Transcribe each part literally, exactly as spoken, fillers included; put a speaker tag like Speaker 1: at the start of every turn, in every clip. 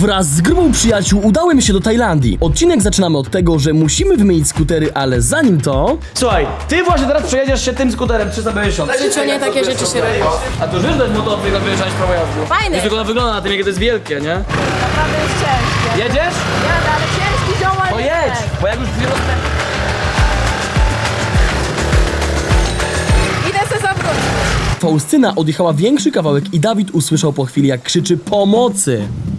Speaker 1: Wraz z grupą przyjaciół udałem się do Tajlandii. Odcinek zaczynamy od tego, że musimy wymienić skutery, ale zanim to...
Speaker 2: Słuchaj, ty właśnie teraz przejedziesz się tym skuterem trzysta pięćdziesiąt.
Speaker 3: W życiu nie takie rzeczy się robi.
Speaker 2: A to już wiesz, to jest motor, tylko wyjeżdżać prawo jazdy.
Speaker 3: Fajny.
Speaker 2: Wiesz, tylko ona wygląda na tym, jakie to jest wielkie, nie?
Speaker 3: Naprawdę jest ciężkie.
Speaker 2: Jedziesz?
Speaker 3: Jadę, ale ciężki ziomal.
Speaker 2: To jedź, bo jak już dwie rozpę...
Speaker 3: Idę se zawrócić.
Speaker 1: Faustyna odjechała większy kawałek i Dawid usłyszał po chwili, jak krzyczy pomocy.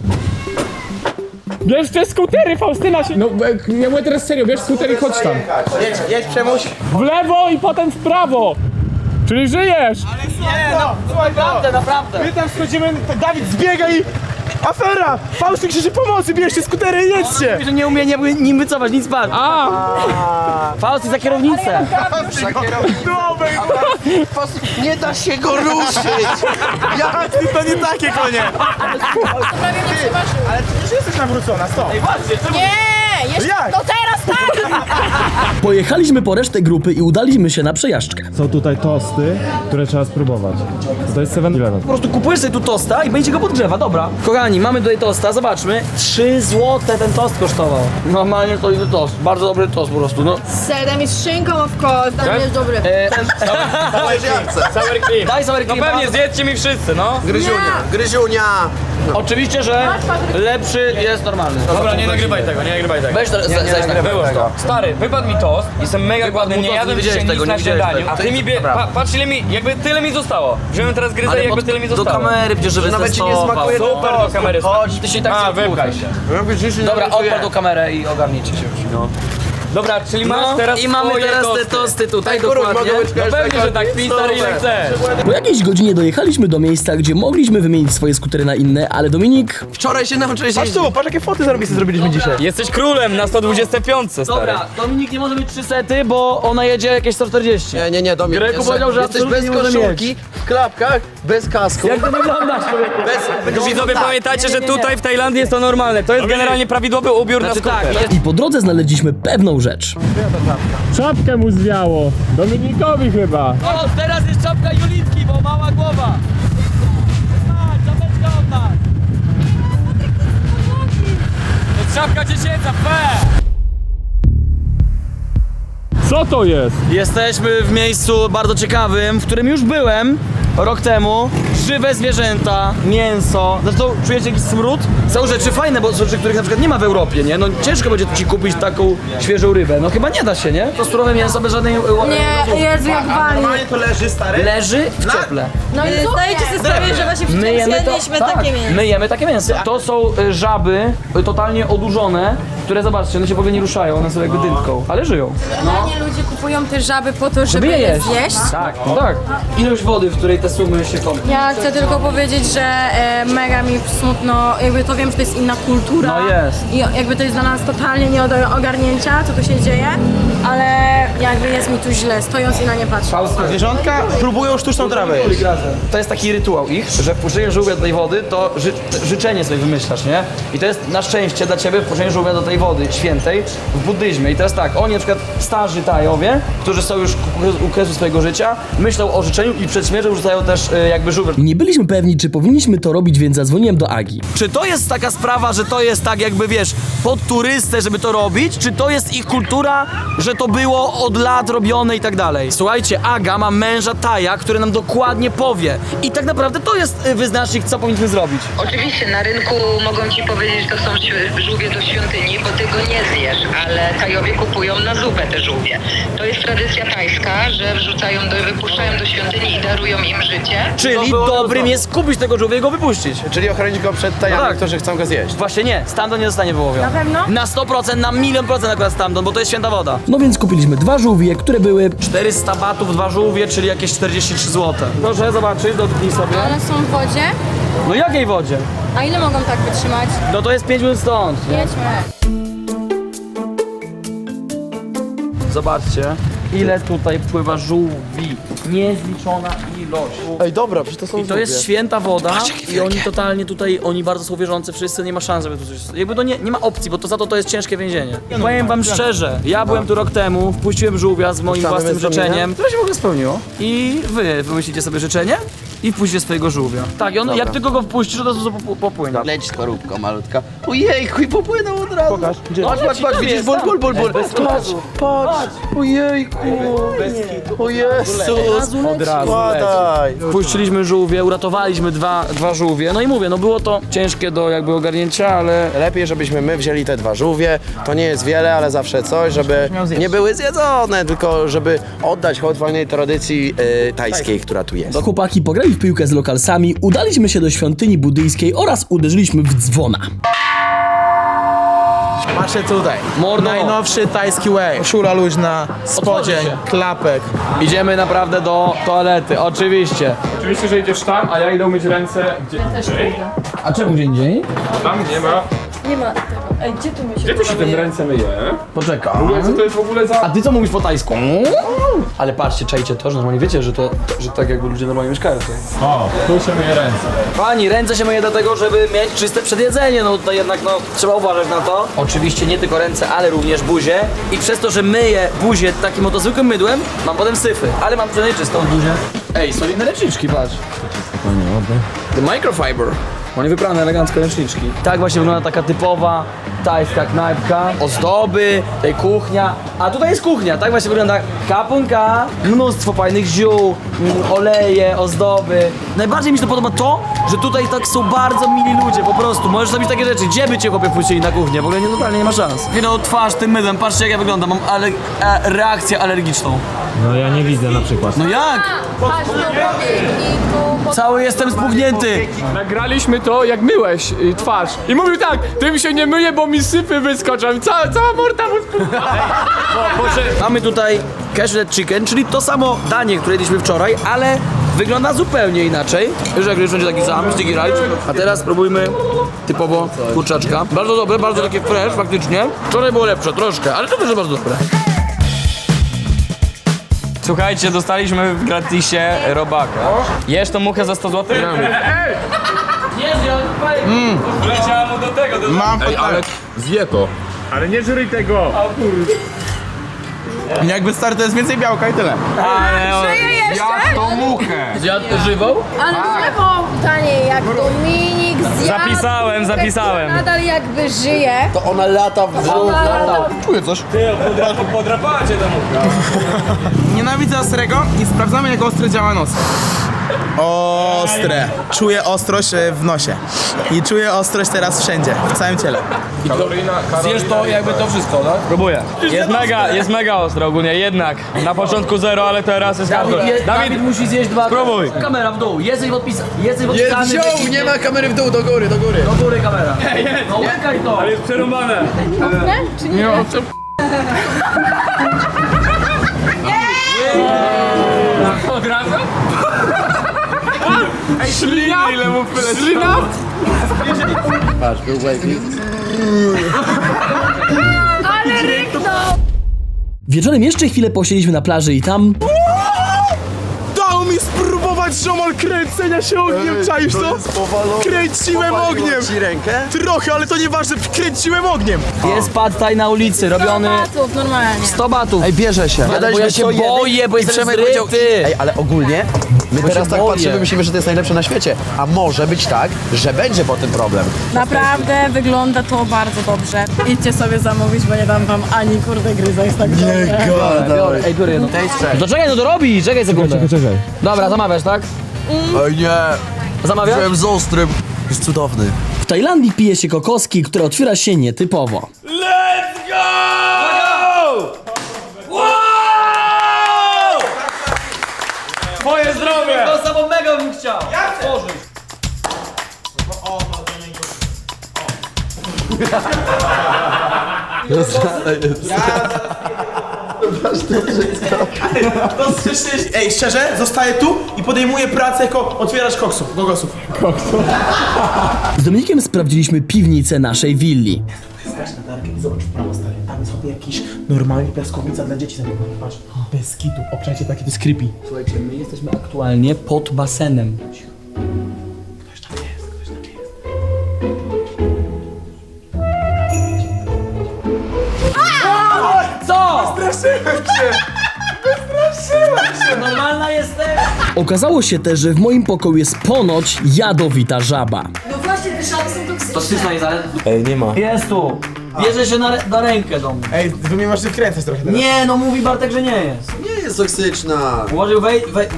Speaker 4: Bierz te skutery, Faustyna się... No, e, ja mówię teraz serio, bierz skutery i chodź tam.
Speaker 5: Jedź, jedź Przemuś.
Speaker 4: W lewo i potem w prawo. Czyli żyjesz.
Speaker 5: Nie no, słuchaj
Speaker 2: Naprawdę, naprawdę.
Speaker 5: My tam schodzimy, Dawid zbiega i... Afera! Fausty krzyczy pomocy, bierzcie skutery i jedźcie!
Speaker 2: Że nie umie nie, nim wycofać, nic bardziej.
Speaker 4: A,
Speaker 2: Faust za kierownicę.
Speaker 5: Nie da się go ruszyć! Jak ty, to nie takie konie!
Speaker 3: Prawie mnie przeważył.
Speaker 5: Ale ty już jesteś nawrócona, stop!
Speaker 3: Nie! Jeszcze,
Speaker 5: Jak?
Speaker 3: no teraz tak!
Speaker 1: Pojechaliśmy po resztę grupy i udaliśmy się na przejażdżkę.
Speaker 4: są tutaj tosty, które trzeba spróbować. To jest seven eleven.
Speaker 2: Po prostu kupujesz sobie tu tosta i będzie go podgrzewa, dobra. Kochani, mamy tutaj tosta, zobaczmy. trzy złote ten tost kosztował. Normalnie to inny tost, bardzo dobry tost po prostu, no.
Speaker 3: Z serem i z szynką, of course. Tam jest dobry.
Speaker 2: E,
Speaker 5: Sour cream!
Speaker 2: daj sour cream.
Speaker 4: No pewnie, zjedzcie mi wszyscy, no.
Speaker 5: Gryziunia, gryziunia!
Speaker 2: Oczywiście, że lepszy jest normalny.
Speaker 4: Dobra, nie nagrywaj tego, nie nagrywaj tego.
Speaker 2: Weź to,
Speaker 5: Nie, nie
Speaker 2: zejdź na
Speaker 5: nagrywaj tego.
Speaker 4: Stary, wypadł mi tost, jestem mega głodny,
Speaker 2: mu
Speaker 4: nie
Speaker 2: tost,
Speaker 4: jadłem
Speaker 2: nie widziałeś
Speaker 4: dzisiaj
Speaker 2: tego,
Speaker 4: nic
Speaker 2: nie
Speaker 4: na
Speaker 2: widziałeś
Speaker 4: śniadaniu.
Speaker 2: tego.
Speaker 4: A ty mi bie...
Speaker 5: Dobra.
Speaker 4: Pa, patrz ile mi, jakby tyle mi zostało. Wziąłem teraz gryzę i jakby tyle mi zostało.
Speaker 2: bierz, żeby
Speaker 5: Nawet ci nie
Speaker 2: testował.
Speaker 5: smakuje ten
Speaker 4: Super, do kamery.
Speaker 5: Chodź,
Speaker 2: Ty się i tak
Speaker 4: A,
Speaker 2: się
Speaker 4: wypchaj się.
Speaker 2: Dobra, odpal tą kamerę i ogarnijcie się już. No.
Speaker 4: Dobra, czyli masz
Speaker 2: No,
Speaker 4: teraz
Speaker 2: i mamy
Speaker 4: swoje
Speaker 2: teraz
Speaker 4: tosty.
Speaker 2: te tosty tutaj,
Speaker 5: Kurwa,
Speaker 2: dokładnie.
Speaker 5: mogę być
Speaker 4: No pewnie, że tak, pij stary ile chcesz.
Speaker 1: Po jakiejś godzinie dojechaliśmy do miejsca, gdzie mogliśmy wymienić swoje skutery na inne, ale Dominik...
Speaker 5: Wczoraj się nauczyłeś Patrz tu, patrz jakie foty zarobiste zrobiliśmy dzisiaj.
Speaker 4: Jesteś królem na sto dwudziestej piątce, stary.
Speaker 2: Dobra, Dominik nie może mieć trzy sety, bo ona jedzie jakieś sto czterdzieści.
Speaker 5: Nie, nie, nie, Dominik,
Speaker 2: Greku
Speaker 5: jeszcze-
Speaker 2: powiedział, że
Speaker 5: jesteś
Speaker 2: absolutnie
Speaker 5: bez
Speaker 2: nie może
Speaker 5: koszulki, w klapkach, bez kasku.
Speaker 2: Jak to wyglądasz, człowieku?
Speaker 5: Bez,
Speaker 4: Widzowie,
Speaker 5: tak.
Speaker 4: pamiętajcie,
Speaker 2: Nie,
Speaker 4: że
Speaker 2: nie, nie, nie.
Speaker 4: tutaj w Tajlandii jest to normalne. To jest generalnie prawidłowy ubiór
Speaker 2: Znaczy
Speaker 4: na skuter.
Speaker 2: tak, jest
Speaker 1: I po drodze znaleźliśmy pewną rzecz.
Speaker 4: Czapkę mu zwiało. Dominikowi chyba.
Speaker 2: O, teraz jest czapka Julitki, bo mała głowa. Tak, czapeczka od nas.
Speaker 4: To jest czapka dziecięca, fe! Co to jest?
Speaker 2: Jesteśmy w miejscu bardzo ciekawym, w którym już byłem rok temu. Żywe zwierzęta, mięso. Zresztą czujecie jakiś smród? Są rzeczy fajne, bo są rzeczy, których na przykład nie ma w Europie, nie? No ciężko będzie ci kupić taką świeżą rybę. No chyba nie da się, nie? To surowe mięso bez żadnej...
Speaker 3: Nie, Jezu, jak wali.
Speaker 5: Normalnie to leży, stary?
Speaker 2: Leży w cieple.
Speaker 3: No i zdajecie sobie sprawę, że właśnie
Speaker 2: My
Speaker 3: wczoraj
Speaker 2: jemy to,
Speaker 3: zjedliśmy
Speaker 2: tak,
Speaker 3: takie mięso.
Speaker 2: my jemy takie mięso. To są y, żaby y, totalnie odurzone, które zobaczcie, one się w ogóle nie ruszają, one są jakby dętką, ale żyją.
Speaker 3: Generalnie ludzie kupują te żaby po to, żeby
Speaker 2: je
Speaker 3: je
Speaker 2: jeść.
Speaker 3: zjeść.
Speaker 2: Tak, no tak. Ilość wody, w której te sumy się kąpią.
Speaker 3: Ja chcę tylko powiedzieć, że e, mega mi smutno, jakby to wiem, że to jest inna kultura.
Speaker 2: No jest.
Speaker 3: I jakby to jest dla nas totalnie nie do ogarnięcia, co tu się dzieje, ale jakby jest mi tu źle, stojąc i na nie patrzę.
Speaker 5: Zwierzątka próbują sztuczną trawę jeść.
Speaker 2: To jest taki rytuał ich, że wpuszczenie żółwia do tej wody to ży życzenie sobie wymyślasz, nie? I to jest na szczęście dla ciebie wpuszczenie żółwia do tej wody świętej w buddyzmie. I teraz tak, oni na przykład starzy Tajowie, którzy są już u kresu swojego życia, myślą o życzeniu i przed śmiercią rzucają też y, jakby żółwia.
Speaker 1: Nie byliśmy pewni, czy powinniśmy to robić, więc zadzwoniłem do Agi.
Speaker 2: Czy to jest taka sprawa, że to jest tak jakby, wiesz, pod turystę, żeby to robić? Czy to jest ich kultura, że to było od lat robione i tak dalej? Słuchajcie, Aga ma męża Taja, który nam dokładnie powie. I tak naprawdę to jest y, wyznacznik, co powinniśmy zrobić.
Speaker 6: Oczywiście na rynku mogą ci powiedzieć, że to są ś- żółwie do świątyni, bo ty go nie zjesz, ale Tajowie kupują na zupę te żółwie. To jest tradycja tajska, że wrzucają do, wypuszczają do świątyni i darują im życie.
Speaker 2: Czyli dobrym jest kupić tego żółwia i go wypuścić.
Speaker 5: Czyli ochronić go przed tajami,
Speaker 2: No tak.
Speaker 5: którzy chcą go zjeść.
Speaker 2: Właśnie nie, stamtąd nie zostanie wyłowiony.
Speaker 3: Na pewno?
Speaker 2: Na sto procent, na milion procent akurat stamtąd, bo to jest święta woda.
Speaker 1: No więc kupiliśmy dwa żółwie, które były...
Speaker 2: czterysta batów, dwa żółwie, czyli jakieś czterdzieści trzy złote. Proszę zobaczyć, dotknij sobie.
Speaker 3: One są w wodzie,
Speaker 2: No jakiej wodzie?
Speaker 3: a ile mogą tak wytrzymać?
Speaker 2: No to jest pięć minut stąd. Nie?
Speaker 3: Jedźmy.
Speaker 2: Zobaczcie, ile tutaj pływa żółwi. Niezliczona ilość.
Speaker 5: Ej, dobra, przecież to są
Speaker 2: I to jest święta woda i oni totalnie tutaj, oni bardzo są wierzący wszyscy, nie ma szans, żeby tu coś... Jakby to nie, nie ma opcji, bo to za to to jest ciężkie więzienie. Powiem wam szczerze, ja byłem tu rok temu, wpuściłem żółwia z moim
Speaker 5: Puszczamy
Speaker 2: własnym
Speaker 5: bez zamienia?
Speaker 2: życzeniem, które się w ogóle spełniło. I wy wymyślicie sobie życzenie i wpuśćcie swojego żółwia. Tak, i on, jak tylko go wpuścisz, od razu pop- popłynie.
Speaker 7: Leć skorupko malutka. Ojejku, i popłynął od razu.
Speaker 5: Pokaż, gdzie?
Speaker 7: Patrz, patrz, patrz, widzisz, ból, ból, ból, ból. Patrz, patrz. Ojejku. O Jezus.
Speaker 5: Od razu
Speaker 7: Spadaj.
Speaker 2: Wpuściliśmy żółwie, uratowaliśmy dwa, dwa żółwie. No i mówię, no było to ciężkie do jakby ogarnięcia, ale
Speaker 7: Lepiej, żebyśmy my wzięli te dwa żółwie. To nie jest wiele, ale zawsze coś, żeby nie były zjedzone, tylko żeby oddać hołd wolnej tradycji y, tajskiej, która tu jest.
Speaker 1: Chłopaki pograli w piłkę z lokalsami, udaliśmy się do świątyni buddyjskiej oraz uderzyliśmy w dzwona.
Speaker 5: Patrzcie tutaj.
Speaker 2: Mordo.
Speaker 5: Najnowszy tajski way. Szura luźna, spodzień,
Speaker 2: się.
Speaker 5: klapek.
Speaker 2: idziemy naprawdę do toalety, oczywiście.
Speaker 4: Oczywiście, że idziesz tam, a ja idę umyć ręce gdzie indziej.
Speaker 2: A czemu gdzie indziej?
Speaker 4: Tam nie ma.
Speaker 3: Nie ma tego. Ej, gdzie tu mi się
Speaker 4: Gdzie tu się tym ręce myje?
Speaker 2: Poczekaj.
Speaker 4: Co to jest w ogóle za...
Speaker 2: A ty co mówisz po tajsku? Ale patrzcie, czajcie to, że normalnie wiecie, że to, że tak jakby ludzie normalnie mieszkają tutaj.
Speaker 4: O, tu się myje ręce.
Speaker 2: Pani, ręce się myje dlatego, żeby mieć czyste przed jedzeniem, no tutaj jednak no trzeba uważać na to. Oczywiście nie tylko ręce, ale również buzię. I przez to, że myję buzię takim oto zwykłym mydłem, mam potem syfy, ale mam przynajmniej czystą buzię. Ej, solidne ręczniczki, patrz. The microfiber. Oni wyprane elegancko ręczniczki. Tak właśnie wygląda taka typowa tajska knajpka. Ozdoby, tutaj kuchnia. A tutaj jest kuchnia, tak właśnie wygląda kapunka. Mnóstwo fajnych ziół, mm, oleje, ozdoby. Najbardziej mi się to podoba to, że tutaj tak są bardzo mili ludzie, po prostu. Możesz zrobić takie rzeczy. Gdzie by cię chłopie puścili na kuchnię? W ogóle nie, totalnie nie ma szans. Winął twarz tym mydłem, patrzcie jak ja wyglądam. Mam ale, e, reakcję alergiczną.
Speaker 8: No ja nie widzę na przykład.
Speaker 2: No jak?
Speaker 3: Patrz, no i tu...
Speaker 2: Cały jestem spuchnięty.
Speaker 4: Nagraliśmy to, jak myłeś y, twarz. I mówił tak, tym się nie myje, bo mi sypy wyskoczą. I cała, cała morda mu spuchła.
Speaker 2: Mamy tutaj cashew chicken, czyli to samo danie, które jedliśmy wczoraj, ale wygląda zupełnie inaczej. Wiesz, jak już będzie taki sam, sticky rice. A teraz spróbujmy typowo kurczaczka. Bardzo dobre, bardzo takie fresh faktycznie. Wczoraj było lepsze, troszkę, ale to też jest bardzo dobre.
Speaker 9: Słuchajcie, dostaliśmy w gratisie robaka. Jesz tą muchę za sto złotych?
Speaker 2: Mm.
Speaker 9: Leciała mu do tego, do...
Speaker 5: Mam
Speaker 4: Ej, ale zje to. Ale nie żryj tego.
Speaker 5: Jakby stary to jest więcej białka i tyle.
Speaker 3: Żyje jeszcze?
Speaker 9: tą muchę!
Speaker 2: Zjadł żywą?
Speaker 3: Ale żywą taniej, jak Dominik zjadł.
Speaker 9: Zapisałem, zapisałem.
Speaker 3: Nadal jakby żyje.
Speaker 7: To ona lata w brzuch.
Speaker 5: Czuję coś.
Speaker 9: Podrapała cię ta mucha.
Speaker 5: Nienawidzę ostrego i sprawdzamy jak ostry działa nos. Ostre. Czuję ostrość e, w nosie. I czuję ostrość teraz wszędzie, w całym ciele.
Speaker 4: Karolina, Karolina.
Speaker 2: Zjesz to jakby to wszystko, tak?
Speaker 9: Próbuję. Jest mega, jest mega ostro ogólnie, jednak. Na początku zero, ale teraz jest
Speaker 2: Dawid,
Speaker 9: hardcore.
Speaker 2: je, Dawid musi zjeść dwa...
Speaker 9: Spróbuj.
Speaker 2: Kamera w dół, jesteś podpisany. Jesteś podpisany.
Speaker 7: Wziął, nie ma kamery w dół, do góry, do góry.
Speaker 2: Do góry kamera. No łykaj to.
Speaker 9: Ale jest przerąbane.
Speaker 3: Czy nie?
Speaker 4: Od razu? Ej, ślina! Ile mu ślina?
Speaker 7: Patrz, był wavy.
Speaker 3: Ale ryknął!
Speaker 1: Wieczorem jeszcze chwilę posiedzieliśmy na plaży i tam...
Speaker 5: Dał mi spróbować ziomal kręcenia się ogniem, czaisz to? Kręciłem ogniem!
Speaker 7: Ci rękę?
Speaker 5: Trochę, ale to nieważne, kręciłem ogniem!
Speaker 2: Jest pad thai na ulicy, robiony
Speaker 3: Batów, normalnie.
Speaker 2: sto batów.
Speaker 7: Ej, bierze się.
Speaker 2: Ale bo ja się boję, bo
Speaker 7: I
Speaker 2: jestem
Speaker 7: Przemek powiedział,
Speaker 2: zryty.
Speaker 7: ej, ale ogólnie my
Speaker 2: Bo
Speaker 7: teraz
Speaker 2: się
Speaker 7: tak
Speaker 2: boję.
Speaker 7: patrzymy, myślimy, że to jest najlepsze na świecie. A może być tak, że będzie potem problem.
Speaker 3: Naprawdę wygląda to bardzo dobrze. Idźcie sobie zamówić, bo nie dam wam ani kurde gryza, jest tak dobre.
Speaker 2: Biorę, ej, biorę jedno. To czekaj, no to robi, czekaj sekundę. Czekaj, czekaj. Dobra, zamawiasz, tak?
Speaker 7: Oj nie,
Speaker 2: Zamawiasz?
Speaker 7: byłem z ostrym. Jest cudowny.
Speaker 1: W Tajlandii pije się kokoski, które otwiera się nietypowo.
Speaker 9: Let's go! Wow! Twoje zdrowie!
Speaker 2: To samo mega bym chciał. Jak tworzyć?
Speaker 5: Ej, szczerze, zostaję tu i podejmuję pracę jako otwieracz koksów, gogosów.
Speaker 1: Z Dominikiem sprawdziliśmy piwnicę naszej willi.
Speaker 5: Zobacz w prawo, stary, tam jest sobie jakiś normalny piaskownica dla dzieci. Patrz, bez kitu, obczajcie takie, to jest creepy.
Speaker 2: Słuchajcie, my jesteśmy aktualnie pod basenem.
Speaker 5: Ktoś tam jest, ktoś tam jest.
Speaker 2: Co?
Speaker 5: Wystraszyłem się! Wystraszyłem się!
Speaker 2: Normalna jesteś?
Speaker 1: Okazało się też, że w moim pokoju jest ponoć jadowita żaba.
Speaker 3: No właśnie, te żaby są toksyczne.
Speaker 2: To styczna jest, ale...
Speaker 7: Ej, nie ma.
Speaker 2: Jest tu. Bierze się na, re- na rękę do mnie.
Speaker 5: Ej, wy mnie możecie wkręcać trochę teraz.
Speaker 2: Nie, no mówi Bartek, że nie jest.
Speaker 7: Nie jest toksyczna.
Speaker 2: Ułożył wej... wej...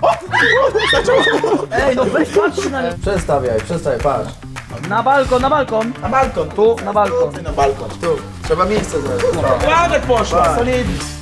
Speaker 2: Ej, no weź patrz na mnie.
Speaker 7: Przestawiaj, przestawiaj, patrz.
Speaker 2: Na balkon, na balkon.
Speaker 5: Na balkon.
Speaker 2: Tu, na balkon.
Speaker 5: Ty na balkon.
Speaker 7: Tu, trzeba miejsce znaleźć.
Speaker 5: Ładek poszła, solidnie.